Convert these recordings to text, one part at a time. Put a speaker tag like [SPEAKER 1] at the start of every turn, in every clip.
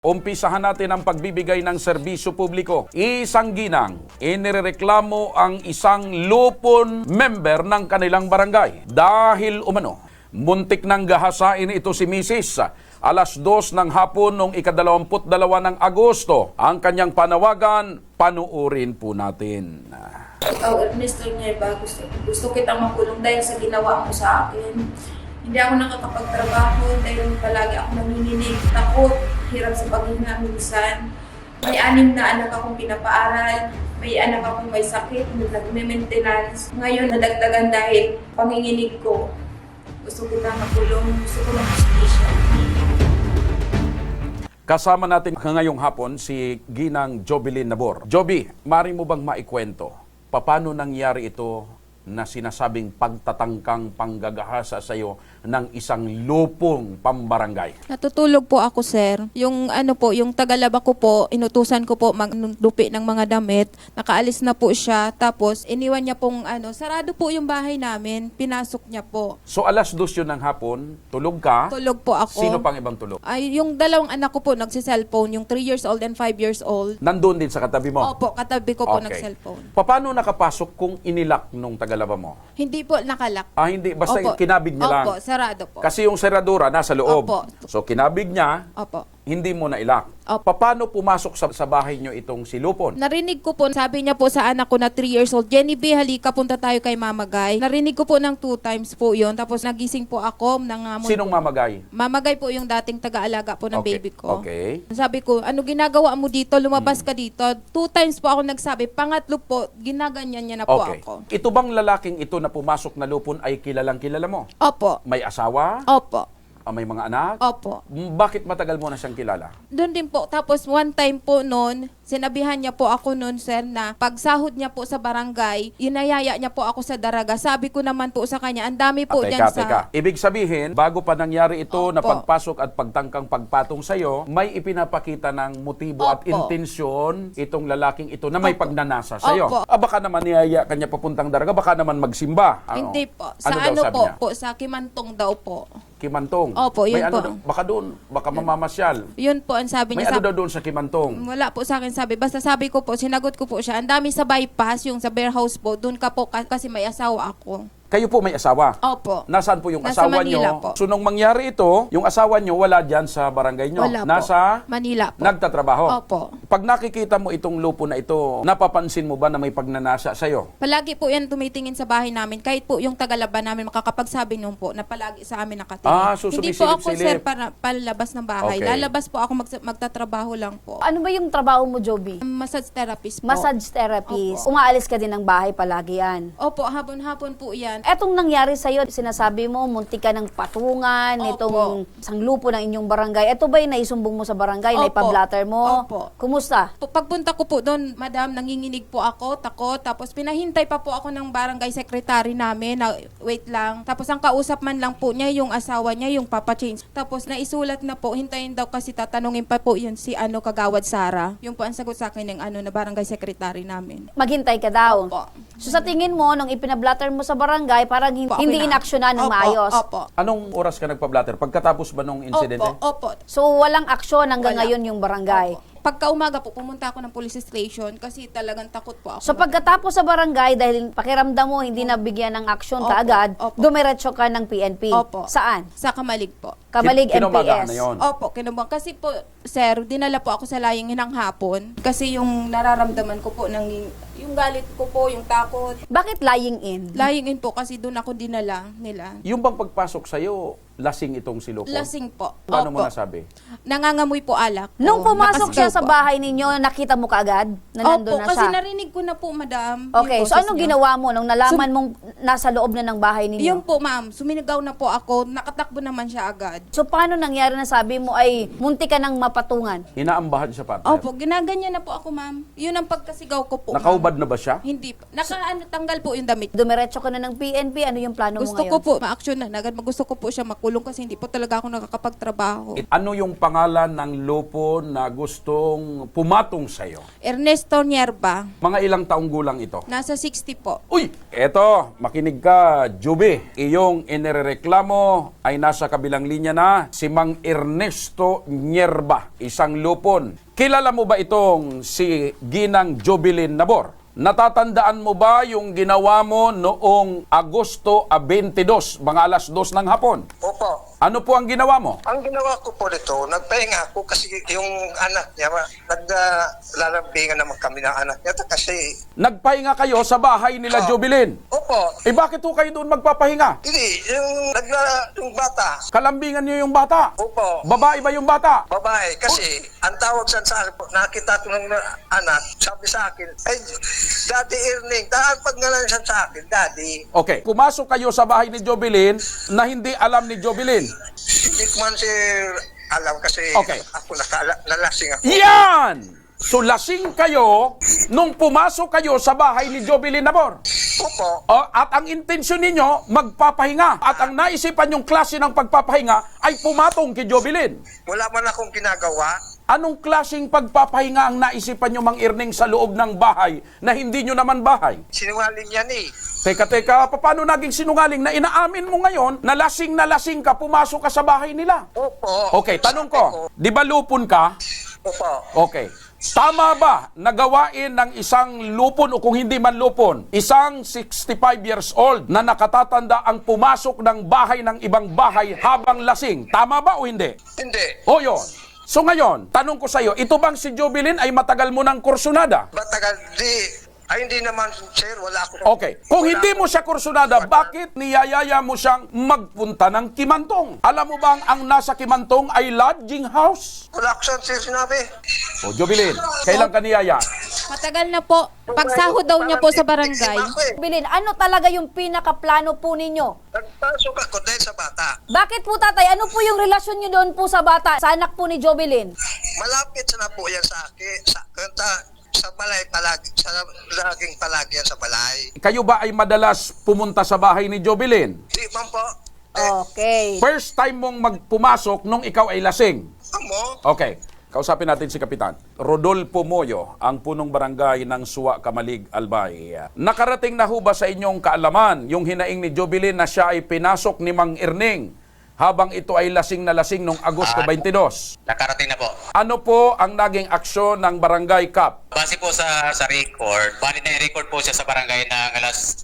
[SPEAKER 1] Umpisahan natin ang pagbibigay ng serbisyo publiko. Isang ginang, inireklamo ang isang lupon member ng kanilang barangay. Dahil umano, muntik nang gahasain ito si Mrs. Alas 2 ng hapon noong ika-22 ng Agosto. Ang kanyang panawagan, panuurin po natin.
[SPEAKER 2] Mr. Nieva, gusto kitang makulong dahil sa ginawa mo sa akin. Hindi ako nakakapagtrabaho dahil palagi ako nanginginig, takot, hirap sa paghinga minsan. May 6 na anak akong pinapaaral, may anak akong may sakit, nag-maintenance. Ngayon nadagdagan dahil panginginig ko. Gusto kitang makulong, gusto ko ng justisya.
[SPEAKER 1] Kasama natin ngayong hapon si Ginang Jovelyn Nabor. Joby, mari mo bang maikwento? Paano nangyari ito na sinasabing pagtatangkang panggagahasa sa iyo ng isang lupong pambarangay?
[SPEAKER 3] Natutulog po ako, sir. Yung yung tagalaba ko po, inutusan ko po maglupi ng mga damit. Nakaalis na po siya. Tapos iniwan niya pong sarado po yung bahay namin. Pinasok niya po.
[SPEAKER 1] So alas 2 yun ng hapon, tulog ka?
[SPEAKER 3] Tulog po ako.
[SPEAKER 1] Sino pang ibang tulog?
[SPEAKER 3] Ay, yung dalawang anak ko po nagsi-cellphone, yung 3 years old and 5 years old.
[SPEAKER 1] Nandun din sa katabi mo?
[SPEAKER 3] Opo, katabi ko po nag-cellphone.
[SPEAKER 1] Paano nakapasok kung inilak nung tagalaba mo?
[SPEAKER 3] Hindi po nakalak.
[SPEAKER 1] Hindi. Basta
[SPEAKER 3] Opo.
[SPEAKER 1] kinabig niya lang.
[SPEAKER 3] Opo, sarado po.
[SPEAKER 1] Kasi yung seradura nasa loob.
[SPEAKER 3] Opo.
[SPEAKER 1] So kinabig niya,
[SPEAKER 3] Opo.
[SPEAKER 1] hindi mo nailak.
[SPEAKER 3] Opo.
[SPEAKER 1] Paano pumasok sa bahay niyo itong si Lupon?
[SPEAKER 3] Narinig ko po, sabi niya po sa anak ko na 3 years old, Jenny B, halika, punta tayo kay Mama Guy. Narinig ko po ng 2 times po yun. Tapos nagising po ako ng...
[SPEAKER 1] Sinong mamagay?
[SPEAKER 3] Mama Guy po yung dating taga-alaga po ng baby ko.
[SPEAKER 1] Okay.
[SPEAKER 3] Sabi ko, ano ginagawa mo dito? Lumabas ka dito. 2 times po ako nagsabi. Pangatlo po, ginaganyan niya na po
[SPEAKER 1] Okay.
[SPEAKER 3] ako.
[SPEAKER 1] Ito bang lalaking ito na pumasok na Lupon ay kilalang kilala mo?
[SPEAKER 3] Opo.
[SPEAKER 1] May asawa?
[SPEAKER 3] Opo.
[SPEAKER 1] May mga anak?
[SPEAKER 3] Opo.
[SPEAKER 1] Bakit matagal mo na siyang kilala?
[SPEAKER 3] Doon din po. Tapos one time po noon, sinabihan niya po ako noon, sir, na pagsahod niya po sa barangay, inayaya niya po ako sa daraga. Sabi ko naman po sa kanya, ang dami po dyan
[SPEAKER 1] Teka. Ibig sabihin, bago pa nangyari ito na
[SPEAKER 3] Opo.
[SPEAKER 1] pagpasok at pagtangkang pagpatong sa'yo, may ipinapakita ng motibo at
[SPEAKER 3] Opo.
[SPEAKER 1] intensyon itong lalaking ito na may
[SPEAKER 3] Opo.
[SPEAKER 1] pagnanasa sa'yo.
[SPEAKER 3] Opo.
[SPEAKER 1] Baka naman niyaya kanya papuntang daraga, baka naman magsimba.
[SPEAKER 3] Hindi po.
[SPEAKER 1] Ano
[SPEAKER 3] Sa
[SPEAKER 1] daw
[SPEAKER 3] ano
[SPEAKER 1] sabi
[SPEAKER 3] po,
[SPEAKER 1] niya?
[SPEAKER 3] po, sa Kimantong daw po.
[SPEAKER 1] Kimantong.
[SPEAKER 3] Opo, yun
[SPEAKER 1] may ano
[SPEAKER 3] po.
[SPEAKER 1] baka doon, baka mamamasyal.
[SPEAKER 3] Yun po ang sabi
[SPEAKER 1] May
[SPEAKER 3] niya.
[SPEAKER 1] ano daw doon sa Kimantong?
[SPEAKER 3] Wala po sa akin sabi. Basta sabi ko po, sinagot ko po siya. Ang dami sa bypass, yung sa warehouse po. Doon ka po kasi may asawa ako.
[SPEAKER 1] Kayo po may asawa?
[SPEAKER 3] Opo.
[SPEAKER 1] Nasaan po yung
[SPEAKER 3] Nasa
[SPEAKER 1] asawa
[SPEAKER 3] Manila
[SPEAKER 1] nyo?
[SPEAKER 3] po.
[SPEAKER 1] So nung mangyari ito, yung asawa nyo wala dyan sa barangay nyo?
[SPEAKER 3] Wala po.
[SPEAKER 1] Nasa
[SPEAKER 3] Manila po.
[SPEAKER 1] nagtatrabaho?
[SPEAKER 3] Opo.
[SPEAKER 1] Pag nakikita mo itong lupo na ito, napapansin mo ba na may pagnanasa sa'yo?
[SPEAKER 3] Palagi po yan tumitingin sa bahay namin. Kahit po yung tagalaban namin makakapagsabi nung po na palagi sa amin nakatingin.
[SPEAKER 1] So
[SPEAKER 3] Hindi po ako,
[SPEAKER 1] sumisilip-silip.
[SPEAKER 3] sir, para palabas ng bahay.
[SPEAKER 1] Okay.
[SPEAKER 3] Lalabas po ako magtatrabaho lang po.
[SPEAKER 4] Ano ba yung trabaho mo, Joby?
[SPEAKER 3] Massage therapist po.
[SPEAKER 4] Massage therapist.
[SPEAKER 3] Opo.
[SPEAKER 4] Umaalis ka din ng bahay palagi yan.
[SPEAKER 3] Opo, hapon-hapon po yan.
[SPEAKER 4] Etong nangyari sa'yo, sinasabi mo, muntik ka ng patungan,
[SPEAKER 3] Opo.
[SPEAKER 4] itong sanglupo ng inyong barangay. Ito ba yung naisumbong mo sa barangay,
[SPEAKER 3] Opo.
[SPEAKER 4] naipablatter mo?
[SPEAKER 3] Opo.
[SPEAKER 4] Kumusta?
[SPEAKER 3] Pagpunta ko po doon, madam, nanginginig po ako, takot. Tapos pinahintay pa po ako ng barangay secretary namin na wait lang. Tapos ang kausap man lang po niya, yung asawa niya, yung papa change. Tapos naisulat na po, hintayin daw kasi tatanungin pa po yun si Kagawad Sara. Yung po ang sagot sa akin ng na barangay secretary namin.
[SPEAKER 4] Maghintay ka daw.
[SPEAKER 3] Opo.
[SPEAKER 4] So sa tingin mo, nung ipinablatter mo sa barangay, parang
[SPEAKER 3] Opo,
[SPEAKER 4] hindi
[SPEAKER 3] okay na.
[SPEAKER 4] inaksyonan ng
[SPEAKER 3] Opo,
[SPEAKER 4] maayos.
[SPEAKER 3] Opo.
[SPEAKER 1] Anong oras ka nagpa-blatter? Pagkatapos ba nung insidente?
[SPEAKER 3] Opo.
[SPEAKER 4] So walang aksyon hanggang
[SPEAKER 3] Wala.
[SPEAKER 4] ngayon yung barangay.
[SPEAKER 3] Opo. Pagka umaga po, pumunta ako ng police station kasi talagang takot po ako.
[SPEAKER 4] So pagkatapos sa barangay, dahil pakiramdam mo hindi nabigyan ng aksyon
[SPEAKER 3] Opo,
[SPEAKER 4] kaagad,
[SPEAKER 3] opo.
[SPEAKER 4] dumiretso ka ng PNP.
[SPEAKER 3] Opo.
[SPEAKER 4] Saan?
[SPEAKER 3] Sa Kamalig po.
[SPEAKER 4] Kamalig
[SPEAKER 1] Kinumagahan
[SPEAKER 4] MPS.
[SPEAKER 1] na yun.
[SPEAKER 3] Opo, kinubang. Kasi po, sir, dinala po ako sa laying ng hapon. Kasi yung nararamdaman ko po, yung galit ko po, yung takot.
[SPEAKER 4] Bakit lying in?
[SPEAKER 3] Lying in po kasi doon ako dinala nila.
[SPEAKER 1] Yung bang pagpasok sa'yo, lasing itong si Lupon?
[SPEAKER 3] Lasing po.
[SPEAKER 1] Paano mo
[SPEAKER 3] Opo.
[SPEAKER 1] nasabi?
[SPEAKER 3] Nangangamoy po alak.
[SPEAKER 4] Nung pumasok siya
[SPEAKER 3] Nakasigaw
[SPEAKER 4] sa
[SPEAKER 3] po.
[SPEAKER 4] bahay ninyo, nakita mo kaagad na nandun
[SPEAKER 3] Opo,
[SPEAKER 4] na
[SPEAKER 3] kasi
[SPEAKER 4] siya?
[SPEAKER 3] narinig ko na po, madam.
[SPEAKER 4] Okay,
[SPEAKER 3] yung
[SPEAKER 4] so
[SPEAKER 3] boses
[SPEAKER 4] anong
[SPEAKER 3] niya.
[SPEAKER 4] ginawa mo nung nalaman mong nasa loob na ng bahay ninyo?
[SPEAKER 3] Yung po, ma'am, sumigaw na po ako. Nakatakbo naman siya agad.
[SPEAKER 4] So paano nangyari na sabi mo ay munti ka ng mapatungan?
[SPEAKER 1] Inaambahan siya, partner?
[SPEAKER 3] Opo, ginaganyan na po ako, ma'am. Yun ang pagkasigaw ko po.
[SPEAKER 1] Nakaubad na ba siya?
[SPEAKER 3] Hindi po. Tanggal po yung damit.
[SPEAKER 4] Dumiretso ka na ng PNP, ano yung plano mo
[SPEAKER 3] Gusto
[SPEAKER 4] ngayon?
[SPEAKER 3] ko po ma-action na agad. Gusto ko po siya makulong. makulong kasi hindi po talaga ako nakakapagtrabaho.
[SPEAKER 1] Ano yung pangalan ng lupon na gustong pumatong sa'yo?
[SPEAKER 3] Ernesto Nierba,
[SPEAKER 1] Mga ilang taong gulang ito?
[SPEAKER 3] nasa 60 po.
[SPEAKER 1] Uy! Eto, makinig ka, Juby. Iyong inireklamo ay nasa kabilang linya na si Mang Ernesto Nierba, isang lupon. Kilala mo ba itong si Ginang Jobilin Nabor? Natatandaan mo ba yung ginawa mo noong Agosto 22, mga alas 2 ng hapon?
[SPEAKER 5] Opo.
[SPEAKER 1] Ano po ang ginawa mo?
[SPEAKER 5] Ang ginawa ko po nito, nagpahinga ako kasi yung anak niya, naglalambingan naman kami ng anak niya kasi,
[SPEAKER 1] Nagpahinga kayo sa bahay nila Jobilin.
[SPEAKER 5] opo,
[SPEAKER 1] Eh bakit po kayo doon magpapahinga?
[SPEAKER 5] hindi, yung bata,
[SPEAKER 1] Kalambingan niyo yung bata.
[SPEAKER 5] opo,
[SPEAKER 1] Babae ba yung bata?
[SPEAKER 5] babae, kasi ang tawag sa akin po, nakita ko ng anak, sabi sa akin, ay, Daddy Erning, pag nga lang siya sa akin, Daddy,
[SPEAKER 1] Okay, pumasok kayo sa bahay ni Jobilin na hindi alam ni Jobilin.
[SPEAKER 5] hindi ko man sir alam kasi
[SPEAKER 1] Okay.
[SPEAKER 5] ako nalasing ako.
[SPEAKER 1] Yan! So lasing kayo nung pumasok kayo sa bahay ni Jobilin Nabor.
[SPEAKER 5] Opo,
[SPEAKER 1] At ang intensyon ninyo, magpapahinga. At ang naisipan yung klase ng pagpapahinga ay pumatong kay Jobilin.
[SPEAKER 5] wala man akong ginagawa,
[SPEAKER 1] Anong klaseng pagpapahinga ang naisipan nyo, Mang Erning, sa loob ng bahay na hindi nyo naman bahay?
[SPEAKER 5] sinungaling yan eh.
[SPEAKER 1] Teka, paano naging sinungaling na inaamin mo ngayon na lasing ka, pumasok ka sa bahay nila?
[SPEAKER 5] Opo.
[SPEAKER 1] Okay, tanong ko, di ba lupon ka?
[SPEAKER 5] Opo.
[SPEAKER 1] Okay. Tama ba na gawain ng isang lupon o kung hindi man lupon, isang 65 years old na nakatatanda ang pumasok ng bahay ng ibang bahay habang lasing? Tama ba o hindi?
[SPEAKER 5] Hindi.
[SPEAKER 1] O yun. So ngayon, tanong ko sa iyo, ito bang si Jobilin ay matagal mo ng kursunada?
[SPEAKER 5] Batagal, hindi naman, sir, wala ako.
[SPEAKER 1] Okay. Kung hindi mo siya kursunada, bakit niyayaya mo siyang magpunta ng Kimantong? Alam mo bang ang nasa Kimantong ay lodging house?
[SPEAKER 5] Wala ko sir sinabi.
[SPEAKER 1] O Jobilin, kailan ka niyaya?
[SPEAKER 3] Matagal na po. Pagsahod daw niya po sa barangay.
[SPEAKER 4] Bilin, ano talaga yung pinakaplano po ninyo?
[SPEAKER 5] Nagpasok ako dahil sa bata.
[SPEAKER 4] Bakit po tatay, ano po yung relasyon nyo doon po sa bata, sa anak po ni Jobilin?
[SPEAKER 5] Malapit na po yan sa akin. Sa balay palagi. Laging palagi yan sa balay.
[SPEAKER 1] Kayo ba ay madalas pumunta sa bahay ni Jobilin?
[SPEAKER 5] Di man po.
[SPEAKER 4] Okay.
[SPEAKER 1] First time mong magpumasok nung ikaw ay lasing.
[SPEAKER 5] Amo.
[SPEAKER 1] Okay. Kausapin natin si Kapitan. Rodolfo Moyo, ang punong barangay ng Suwa, Kamalig, Albay. Nakarating na ho ba sa inyong kaalaman yung hinaing ni Jobilin na siya ay pinasok ni Mang Erning habang ito ay lasing na lasing noong Agosto 22?
[SPEAKER 6] Nakarating na po.
[SPEAKER 1] Ano po ang naging aksyon ng Barangay CAP?
[SPEAKER 6] Base po sa record, bali na record po siya sa barangay ng alas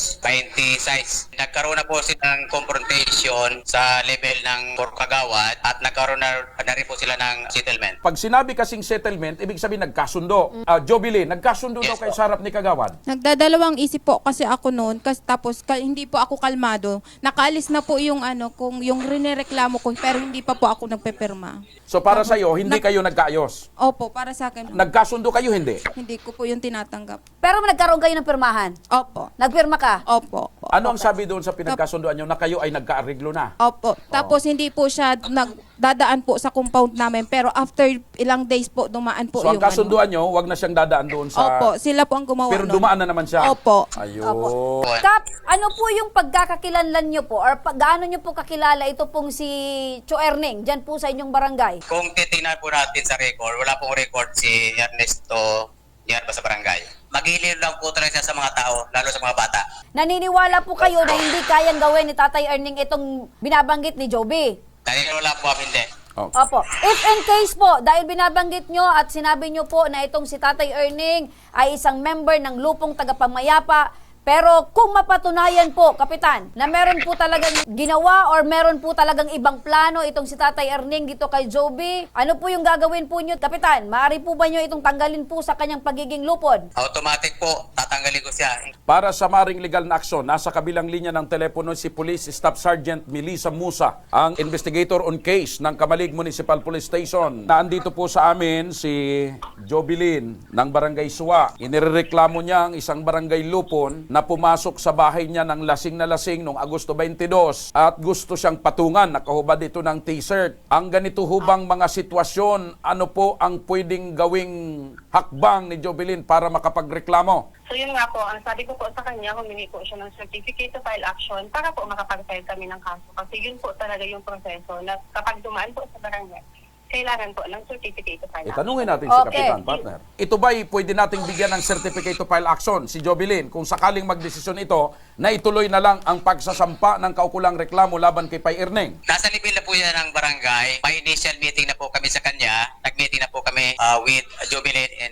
[SPEAKER 6] 2:26. Nagkaroon na po sila ng confrontation sa level ng Kagawad at nagkaroon na rin po sila ng settlement.
[SPEAKER 1] Pag sinabi kasing settlement, ibig sabihin nagkasundo. Jobilin, nagkasundo daw
[SPEAKER 6] Yes,
[SPEAKER 1] kayo
[SPEAKER 6] po.
[SPEAKER 1] sa harap ni Kagawad.
[SPEAKER 3] Nagdadalawang isip po kasi ako noon tapos hindi po ako kalmado. Nakaalis na po yung kung yung rinereklamo ko pero hindi pa po ako nagpepirma.
[SPEAKER 1] So para sa iyo, hindi kayo nagkaayos.
[SPEAKER 3] Opo, para sa akin.
[SPEAKER 1] Nagkasundo kayo, hindi.
[SPEAKER 3] Hindi ko po yung tinatanggap.
[SPEAKER 4] Pero nagkaroon kayo ng pirmahan?
[SPEAKER 3] Opo.
[SPEAKER 4] Nagpirma ka?
[SPEAKER 3] Opo.
[SPEAKER 1] Ano ang sabi doon sa pinagkasundoan nyo na kayo ay nagkaariglo na?
[SPEAKER 3] Opo. Tapos hindi po siya nagdadaan po sa compound namin pero after ilang days po dumaan po
[SPEAKER 1] So ang
[SPEAKER 3] yung
[SPEAKER 1] kasunduan nyo, wag na siyang dadaan doon sa...
[SPEAKER 3] Opo, sila po ang gumawa
[SPEAKER 1] Pero
[SPEAKER 3] nun.
[SPEAKER 1] dumaan na naman siya.
[SPEAKER 3] Opo.
[SPEAKER 1] Ayun.
[SPEAKER 4] Opo. Kap, ano po yung pagkakakilanlan nyo po or gaano nyo po kakilala ito pong si Cho Erning dyan po sa inyong barangay?
[SPEAKER 6] Kung titingnan po natin sa record, wala pong record si Ernesto Nierba sa barangay. Maghihilid lang po talaga siya sa mga tao, lalo sa mga bata.
[SPEAKER 4] Naniniwala po kayo na hindi kayang gawin ni Tatay Erning itong binabanggit ni Joby?
[SPEAKER 6] Dahil wala po hindi.
[SPEAKER 1] Oh.
[SPEAKER 4] Opo. If in case po, dahil binabanggit nyo at sinabi nyo po na itong si Tatay Erning ay isang member ng Lupong Tagapamayapa, pero kung mapatunayan po, Kapitan, na meron po talagang ginawa or meron po talagang ibang plano itong si Tatay Erning dito kay Joby, ano po yung gagawin po nyo, Kapitan? Maaari po ba nyo itong tanggalin po sa kanyang pagiging lupon?
[SPEAKER 6] Automatic po, tatanggalin ko siya.
[SPEAKER 1] Para sa maring legal na aksyon, nasa kabilang linya ng telepono si Police Staff Sergeant Melissa Musa, ang investigator on case ng Kamalig Municipal Police Station. Naandito po sa amin si Jobilin ng Barangay Suwa. Inireklamo niya ang isang barangay lupon na na pumasok sa bahay niya ng lasing na lasing noong Agosto 22 at gusto siyang patungan, nakahubad ito ng t-shirt. Ang ganito hubang mga sitwasyon, ano po ang pwedeng gawing hakbang ni Jovelyn para makapagreklamo?
[SPEAKER 7] So yun nga po, ang sabi ko po sa kanya, humingi po siya ng certificate to file action para po makapag-file kami ng kaso. Kasi yun po talaga yung proseso na kapag dumaan po sa barangay, kailangan po ng certificate to file action.
[SPEAKER 1] Itanungin natin si
[SPEAKER 4] Okay.
[SPEAKER 1] Kapitan, partner. Ito ba'y pwede nating bigyan ng certificate to file action si Jovelyn kung sakaling magdesisyon ito na ituloy na lang ang pagsasampa ng kaukulang reklamo laban kay Pay Erneng?
[SPEAKER 6] Nasa level na po yan ng barangay. May initial meeting na po kami sa kanya. Nag-meeting na po kami with Jovelyn and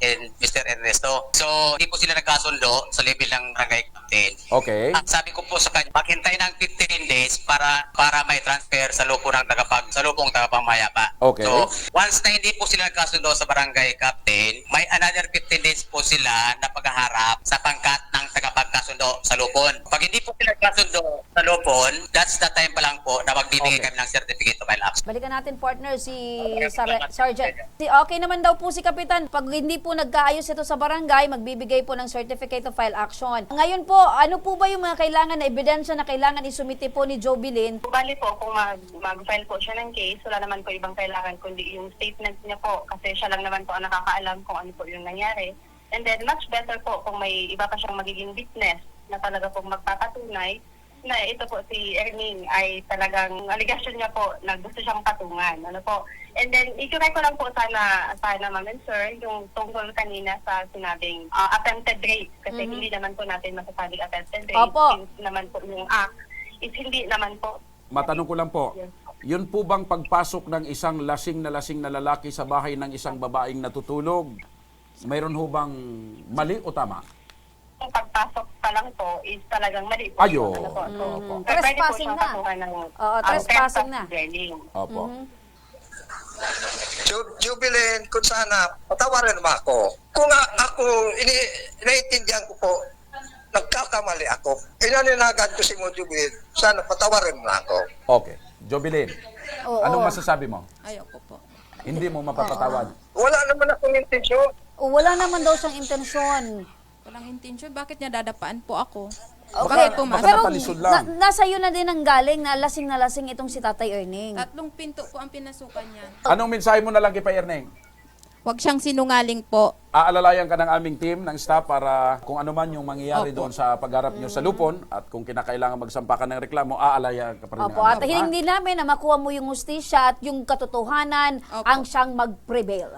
[SPEAKER 6] Mr. Ernesto. So, hindi po sila nagkasundo sa level ng barangay captain.
[SPEAKER 1] Okay.
[SPEAKER 6] Ang sabi ko po sa kanya, maghintay ng 15 days para may transfer sa lupong tagapangmayapa.
[SPEAKER 1] Okay.
[SPEAKER 6] So, once na hindi po sila nagkasundo sa barangay captain, may another 15 days po sila na paghaharap sa pangkat ng tagapagkasundo sa lupon. Pag hindi po sila nagkasundo sa lupon, that's the time pa lang po na magbibigay
[SPEAKER 1] Okay.
[SPEAKER 6] kami ng certificate of file action.
[SPEAKER 4] Balikan natin, partner, si Sergeant. Okay naman daw po si Kapitan. Pag hindi po nagkaayos ito sa barangay, magbibigay po ng certificate of file action. Ngayon po, ano po ba yung mga kailangan na ebidensya na kailangan isumite po ni Jovelyn?
[SPEAKER 7] Bali po, kung mag-file po siya ng case, wala naman po ibang kailangan kundi yung statement niya po kasi siya lang naman po ang nakakaalam kung ano po yung nangyari. And then much better po kung may iba pa siyang magiging witness na talaga po magpapatunay na ito po si Erning ay talagang allegation niya po na gusto siyang patungan. Ano po? And then, i-correct ko lang po sana ma'am and sir, yung tungkol kanina sa sinabing attempted rape. Kasi hindi naman po natin masasabing attempted rape.
[SPEAKER 4] Opo.
[SPEAKER 7] Since naman po yung act is hindi naman po.
[SPEAKER 1] Matanong ko lang po, yun po bang pagpasok ng isang lasing na lalaki sa bahay ng isang babaeng natutulog, mayroon ho bang mali o tama?
[SPEAKER 7] Yung pagpasok pa lang po is talagang mali po.
[SPEAKER 1] Ayo.
[SPEAKER 7] Ano po? So, pwede po
[SPEAKER 4] Trespassing
[SPEAKER 7] siyang
[SPEAKER 4] na.
[SPEAKER 7] katukan ng
[SPEAKER 4] Oo, trespassing na.
[SPEAKER 7] dwelling.
[SPEAKER 1] Opo.
[SPEAKER 5] Jubilin, kung sana, patawarin mo ako. Kung ako, iniintindihan ko po, nagkakamali ako. Inaninagan ko si mo, Jubilin, sana patawarin mo ako.
[SPEAKER 1] Okay. Jovelyn,
[SPEAKER 4] Oo.
[SPEAKER 1] anong masasabi mo?
[SPEAKER 3] Ayoko po.
[SPEAKER 1] Hindi mo mapapatawad.
[SPEAKER 5] Wala naman akong intensyon.
[SPEAKER 4] O, wala naman daw siyang intensyon.
[SPEAKER 3] Walang intention. Bakit niya dadapaan po ako?
[SPEAKER 4] Okay,
[SPEAKER 3] Bakit pumasok?
[SPEAKER 4] pero
[SPEAKER 1] Natalisod lang.
[SPEAKER 4] nasa iyo na din ang galing na lasing na lasing itong si Tatay Erning.
[SPEAKER 3] 3 pinto po ang pinasukan niya.
[SPEAKER 1] Anong mensahe mo na lang kay Pay Erneng?
[SPEAKER 3] Huwag siyang sinungaling po.
[SPEAKER 1] Aalalayan ka ng aming team ng staff para kung ano man yung mangyayari
[SPEAKER 3] Opo.
[SPEAKER 1] doon sa pagharap nyo sa lupon at kung kinakailangan magsampa ka ng reklamo, aalalayan ka pa rin ng
[SPEAKER 4] Opo, at
[SPEAKER 1] aming team, ha?
[SPEAKER 4] hiling din namin na makuha mo yung hustisya at yung katotohanan
[SPEAKER 3] Opo.
[SPEAKER 4] ang siyang mag-prevail.